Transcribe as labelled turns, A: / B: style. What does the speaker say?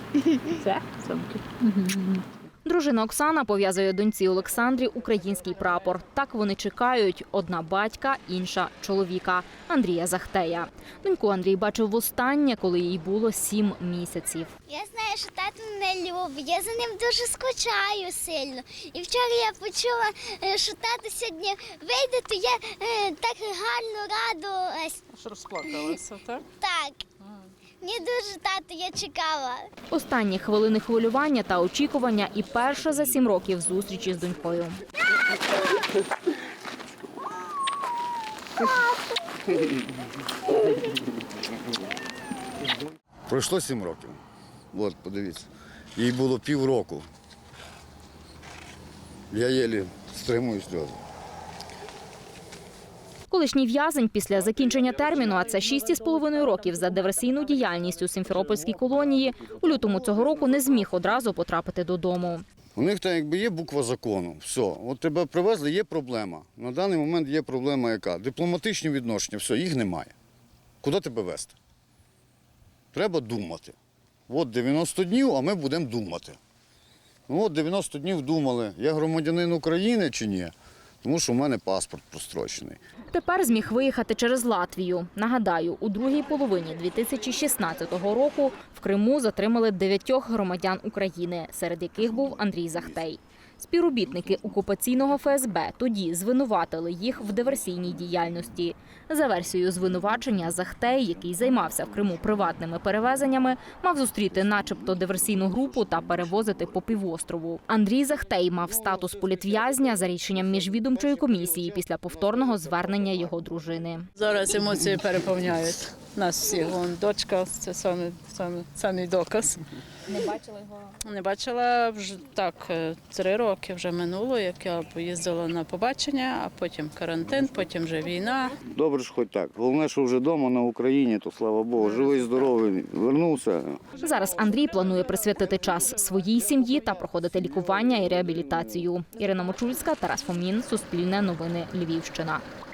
A: Це сумки.
B: Дружина Оксана пов'язує доньці Олександрі український прапор. Так вони чекають – одна батька, інша – чоловіка – Андрія Захтея. Доньку Андрій бачив востаннє, коли їй було 7 місяців.
C: Я знаю, що тато мене любить, я за ним дуже скучаю сильно. І вчора я почула, що тато сьогодні вийде, то я так гарно радилась.
A: Аж розплакалася, так?
C: Так, мені дуже тато, я чекала.
B: Останні хвилини хвилювання та очікування і перша за 7 років зустрічі з донькою.
D: Пройшло 7 років. От, подивіться. Їй було півроку. Я єлі стримую сльози.
B: Колишній в'язень після закінчення терміну, а це 6,5 років за диверсійну діяльність у Сімферопольській колонії, у лютому цього року не зміг одразу потрапити додому.
D: У них там якби є буква закону. Все, от тебе привезли, є проблема. На даний момент є проблема яка? Дипломатичні відношення, все, їх немає. Куди тебе везти? Треба думати. От 90 днів, а ми будемо думати. Ну от 90 днів думали, я громадянин України чи ні, тому що в мене паспорт прострочений.
B: Тепер зміг виїхати через Латвію. Нагадаю, у другій половині 2016 року в Криму затримали 9 громадян України, серед яких був Андрій Захтей. Співробітники окупаційного ФСБ тоді звинуватили їх в диверсійній діяльності. За версією звинувачення, Захтей, який займався в Криму приватними перевезеннями, мав зустріти начебто диверсійну групу та перевозити по півострову. Андрій Захтей мав статус політв'язня за рішенням міжвідомчої комісії після повторного звернення його дружини.
A: Зараз емоції переповняють нас всіх. Вон дочка, це самий доказ.
B: Не бачила його?
A: Не бачила вже так 3 роки вже минуло, як я поїздила на побачення, а потім карантин, потім вже війна.
D: Добре ж хоч так. Головне, що вже вдома на Україні, то слава Богу, живий, здоровий, вернувся.
B: Зараз Андрій планує присвятити час своїй сім'ї та проходити лікування і реабілітацію. Ірина Мочульська, Тарас Фомін, Суспільне новини, Львівщина.